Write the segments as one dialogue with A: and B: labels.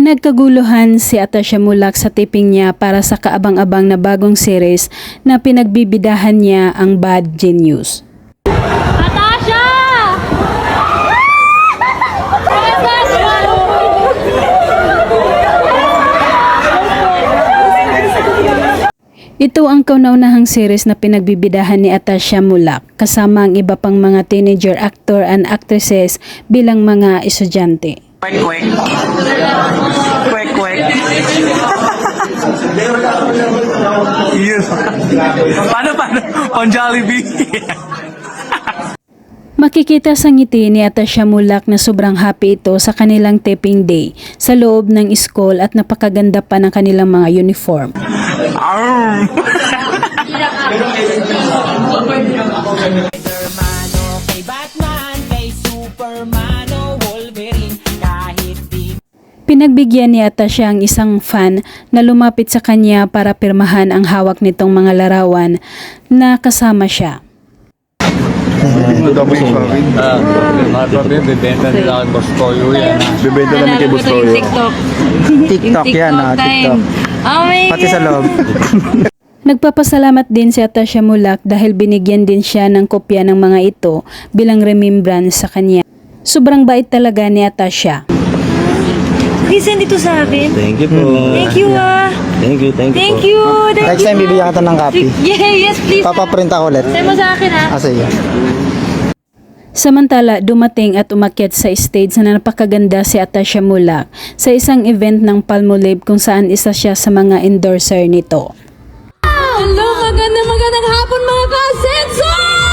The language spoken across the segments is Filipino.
A: Pinagkaguluhan si Atasha Mulak sa taping niya para sa kaabang-abang na bagong series na pinagbibidahan niya ang Bad Genius.
B: Atasha!
A: Ito ang kauna-unahang series na pinagbibidahan ni Atasha Mulak kasama ang iba pang mga teenager actor and actresses bilang mga estudyante.
C: Kwek kwek. Kwek kwek. Yes. Paano? On Jollibee.
A: Makikita sa ngiti ni Atasha Mulak na sobrang happy ito sa kanilang taping day sa loob ng school at napakaganda pa ng kanilang mga uniform. Pinagbigyan ni Atasha ang isang fan na lumapit sa kanya para pirmahan ang hawak nitong mga larawan na kasama siya.
D: Tapos yung kawin.
E: Mga problem, bibenta nila kay Boss Toyo yan.
D: Bibenta namin kay Boss Toyo. TikTok yan TikTok. Pati sa loob.
A: Nagpapasalamat din si Atasha Mulak dahil binigyan din siya ng kopya ng mga ito bilang remembrance sa kanya. Sobrang bait talaga ni Atasha.
B: Please send ito sa akin.
E: Thank you po.
B: Thank you
E: Thank you
B: Thank
E: po.
B: you. Thank
D: Next
B: you.
D: time bibigyan kita ng copy.
B: Yes, please.
D: Papaprint ako ulit.
B: Send mo sa akin ha.
D: Sige.
A: Samantala, dumating at umakyat sa stage na napakaganda si Atasha Mulak sa isang event ng Palmolive kung saan isa siya sa mga endorser nito.
B: Hello, magandang hapon mga kasenso!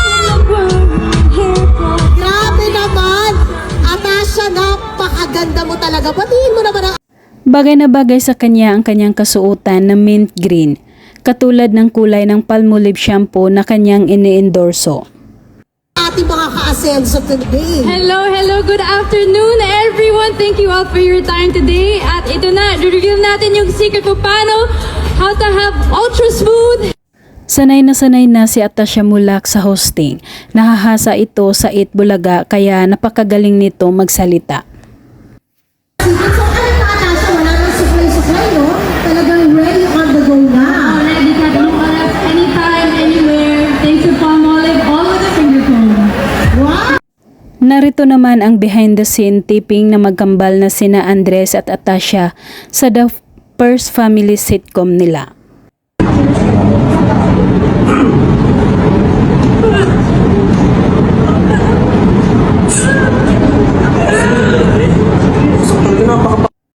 F: Grabe naman! Atasha, napakaganda mo talaga. Batiin mo naman ang
A: Bagay na bagay sa kanya ang kanyang kasuotan na mint green, katulad ng kulay ng Palmolive shampoo na kanyang ini-endorso.
F: ating mga ka-asenso today.
B: Hello, good afternoon everyone. Thank you all for your time today. At ito na, reveal natin yung secret kung paano how to have ultra smooth.
A: Sanay na si Atasha Mulak sa hosting. Nahahasa ito sa Eat Bulaga kaya napakagaling nito magsalita.
F: So, ano na Atasha? Wala nang supply, no? Talagang ready on the go na.
B: Ready ka to anytime, anywhere. Thanks to Palmolive, all with a finger phone.
F: Wow!
A: Narito naman ang behind the scene taping na magkambal na sina Andres at Atasha sa The First Family sitcom nila.